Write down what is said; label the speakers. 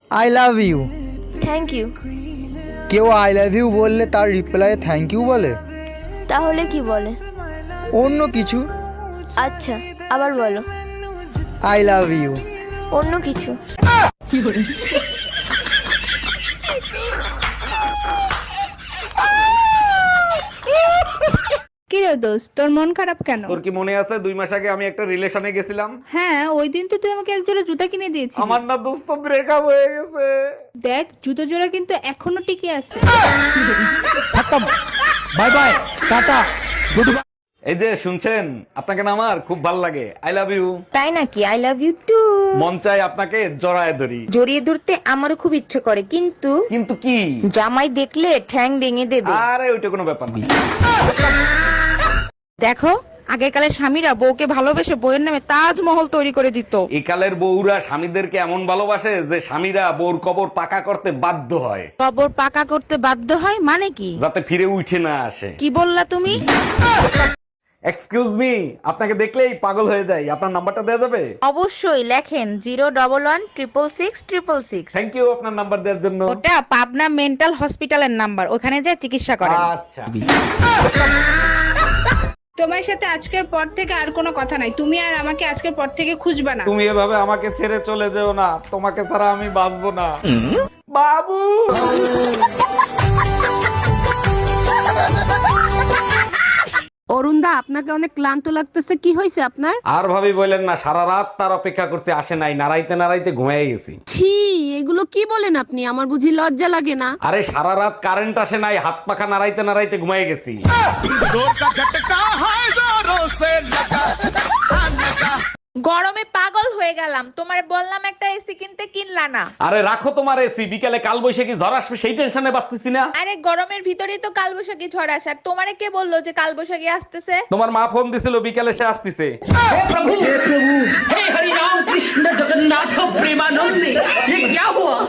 Speaker 1: I love you.
Speaker 2: Thank you.
Speaker 1: কেউ I love you বললে তার রিপ্লাইয়ে থ্যাংক ইউ বলে?
Speaker 2: তাহলে কি বলে?
Speaker 1: অন্য কিছু।
Speaker 2: আচ্ছা, আবার বলো।
Speaker 1: I love you.
Speaker 2: অন্য কিছু।
Speaker 3: কি রে দোস্ত, তোর মন খারাপ কেন?
Speaker 4: তোর কি মনে আছে 2 মাস আগে আমি একটা রিলেশনে গেছিলাম?
Speaker 3: হ্যাঁ, ওই দিন তো তুই আমাকে এক জোড়া জুতা কিনে দিয়েছিস।
Speaker 4: আমার না দোস্ত ব্রেকআপ হয়ে গেছে।
Speaker 3: দেখ, জুতো জোড়া কিন্তু এখনো টিকে আছে।
Speaker 1: Bye bye, tata, goodbye.
Speaker 4: এই যে শুনছেন, আপনাকে না আমার খুব ভালো লাগে। I love you.
Speaker 5: তাই নাকি? I love you too.
Speaker 4: মন চাই আপনাকে জড়ায় ধরি।
Speaker 5: জড়িয়ে ধরতে আমারও খুব ইচ্ছে করে, কিন্তু
Speaker 4: কিন্তু কি?
Speaker 5: জামাই দেখলে ঠ্যাং ভেঙে দেবে।
Speaker 4: আরে ওইটা কোনো ব্যাপার না।
Speaker 6: দেখো, আগেকালের স্বামীরা বউকে ভালোবেসে বউয়ের নামে তাজমহল তৈরি করে দিত।
Speaker 4: একালের বউরা স্বামীদেরকে এমন ভালোবাসে যে স্বামীরা বউর কবর পাকা করতে বাধ্য হয়,
Speaker 6: কবর পাকা করতে বাধ্য হয় মানে কি?
Speaker 4: যাতে ফিরে উঠে না আসে।
Speaker 6: কি বললা তুমি?
Speaker 4: এক্সকিউজ মি, আপনাকে দেখলেই পাগল হয়ে যাই। আপনার নাম্বারটা দেওয়া যাবে?
Speaker 6: অবশ্যই, লেখেন 011-166-666।
Speaker 4: থ্যাংক ইউ আপনার নাম্বার দেওয়ার জন্য।
Speaker 6: ওটা পাবনা মেন্টাল হসপিটালের নাম্বার, ওখানে যা চিকিৎসা করেন।
Speaker 4: আচ্ছা।
Speaker 3: তোমার সাথে আজকের পর থেকে আর কোনো কথা নাই। তুমি আর আমাকে আজকের পর থেকে খুঁজবা না।
Speaker 4: তুমি এভাবে আমাকে ছেড়ে চলে যেও না, তোমাকে ছাড়া আমি বাঁচবো না। বাবু।
Speaker 7: অরুণদা, আপনাকে অনেক ক্লান্ত লাগতেছে, কি হয়েছে আপনার?
Speaker 4: আর ভাবি বললেন না, সারা রাত তার অপেক্ষা করছে, আসে নাই। নাড়াইতে নাড়াইতে ঘুমিয়ে গেছি।
Speaker 7: ছি, এগুলো কি বলেন আপনি? আমার বুঝি লজ্জা লাগে না?
Speaker 4: আরে সারা রাত কারেন্ট আসে নাই, হাত পাখা নাড়াইতে নাড়াইতে ঘুমিয়ে গেছি।
Speaker 8: গরমে পাগল হয়ে গেলাম, তোমার বললাম একটা এসি কিনতে, কিনলা না।
Speaker 4: আরে রাখো তোমার এসি, বিকালে কাল বৈশাখী ঝড় আসবে সেই টেনশনে বাঁচতেছি না।
Speaker 8: আরে গরমের ভিতরেই তো কালবৈশাখী ঝড় আসার, তোমারে কে বললো যে কালবৈশাখী আসতেছে?
Speaker 4: তোমার মা ফোন দিছিল বিকালে সে আসতেছে।